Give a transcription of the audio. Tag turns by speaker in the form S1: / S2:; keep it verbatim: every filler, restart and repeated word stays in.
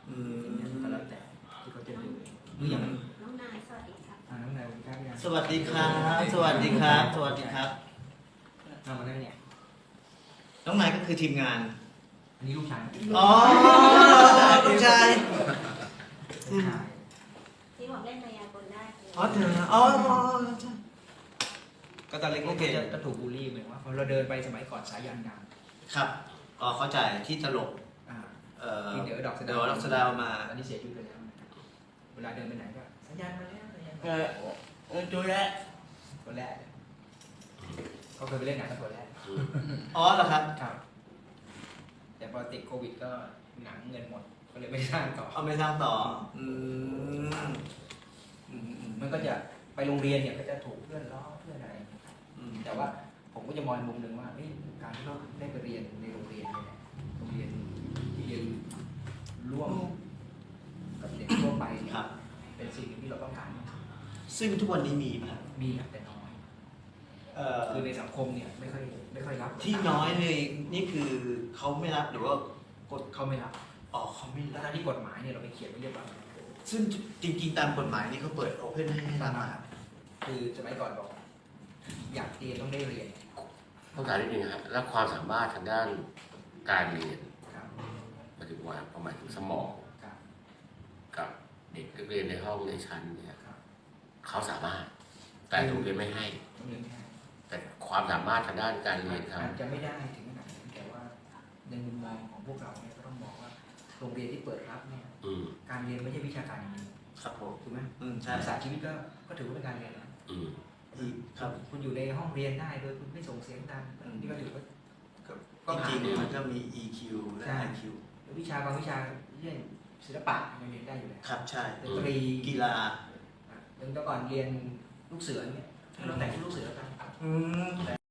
S1: อืม
S2: ก็แล้วแต่ที่เขาจะดูดูอย่าง
S3: น้องนายสวัสดีครับ
S2: อ่าน้องนายสวัสดีครับยัง
S1: สวัสดีครับ สวัสดีครับ สวัสดีครับ
S2: เอามาได้เนี่ย
S1: น้องนายก็คือทีมงาน
S2: อันนี้ลูกชาย
S1: อ๋อลูกชาย
S2: ลูกชาย
S3: ที่ผมเล่นมายากลได้คือ
S1: อ๋อเธออ๋อใช่
S2: ก็ตอนเล็กๆก็จะถูกบูลลี่เหมือนว่าพอเราเดินไปสมัยก่อนสายยานด
S1: ครับอ๋อเข้าใจที่ตลก
S2: ำอ่า
S1: เอ่อ
S2: ที่เดี๋ยวดอกสะ
S1: เดี๋
S2: ดา
S1: ยว วดอกสะดาวมา
S2: ตอนนี้เสียชีวิตไปแล้วนะครับเวลาเดินไปไหนก็สายยานมาแล้วสายยาน
S1: เออเออตัวแรก
S2: ตัวแรกเขาเคยไปเล่นหนังกับตัวแรก
S1: อ๋อเหรอครับ
S2: ครับ แต่พอติดโควิดก็หนังเงินหมดก็เลยไม่สร้างต่อ
S1: เอาไปสร้างต่อ อืม
S2: อืมอืมมันก็จะไปโรงเรียนเนี่ยก็จะถูกเพื่อนล้อเพื่อนอะไรนะครับ
S1: อืม
S2: แต่ว่าผมก็จะมองมุมหนึ่งว่าเฮ้ยการที่เราได้ไปเรียนในโรงเรียนเนี่ยโรงเรียนที่เรียนร่วมกับเด็กทั่วไปเนี่ย
S1: ครับ
S2: เป็นสิ่งหนึ่งที่เราต้องการ
S1: ซึ่งทุกวันนี้มีไหมครับ
S2: มีครับแต่น้อย
S1: เอ่อ
S2: คือในสังคมเนี่ยไม่ค่อยไม่ค่อยรับ
S1: ที่น้อยเลยนี่คือเขาไม่รับหรือว่ากฎ
S2: เขาไม่รับ
S1: อ๋อเขาไม่
S2: แล้
S1: รั
S2: ว
S1: บ
S2: ที่กฎหมายเนี่ยเราไปเขียนไว้เรียบร้อย
S1: ซึ่งจริงๆตามกฎหมายนี่เขาเปิดโอเพนให้รับมาครับ
S2: คือสมัยก่อนบอกอยากเรียนต้องได้เรียน
S4: ต้องการนิดนึงครับแล้วความสามารถทางด้านการเรียน
S2: ครับ
S4: หมายถึงว่าประมาณถึงสมอง
S2: ครับ
S4: กับเด็กนักเรียนในห้องในชั้นเนี่ย
S2: ครับ
S4: เขาสามารถ แต่โรงเรียนไม่ให้
S2: ต้องเรียนไม่ให้
S4: แต่ความสามารถทางด้านการเรียนเขา
S2: อาจจะไม่ได้ถึงขนาดนั้นแต่ว่าในมุมมองของพวกเราเนี่ยก็ต้องมองว่าโรงเรียนที่เปิดรับเนี่ย
S4: อืม
S2: การเรียนไม่ใช่วิชาการอย่างเดียว
S1: ครับผม
S2: ถูกไหม
S1: อืมใช่
S2: ภาษาชีวิตก็ก็ถือว่าเป็นการเรียนนะ
S4: อืม
S1: อืมครับ
S2: คุณอยู่ในห้องเรียนได้โดยคุณไม่ส่งเสียงดัง
S1: อืม
S2: นี่ก็ถือว่า
S1: ก็จริงๆมันก็มี อี คิว และ
S2: ใช่
S1: ไอ คิว
S2: วิชาบางวิชาเช่นศิลปะยังเรียนได้อยู่แล้ว
S1: ครับใช่
S2: ดนตรี
S1: กีฬา
S2: อย่างแต่ก่อนเรียนลูกเสือเนี่ยเราแต่งชุดลูกเสือกัน
S1: อืม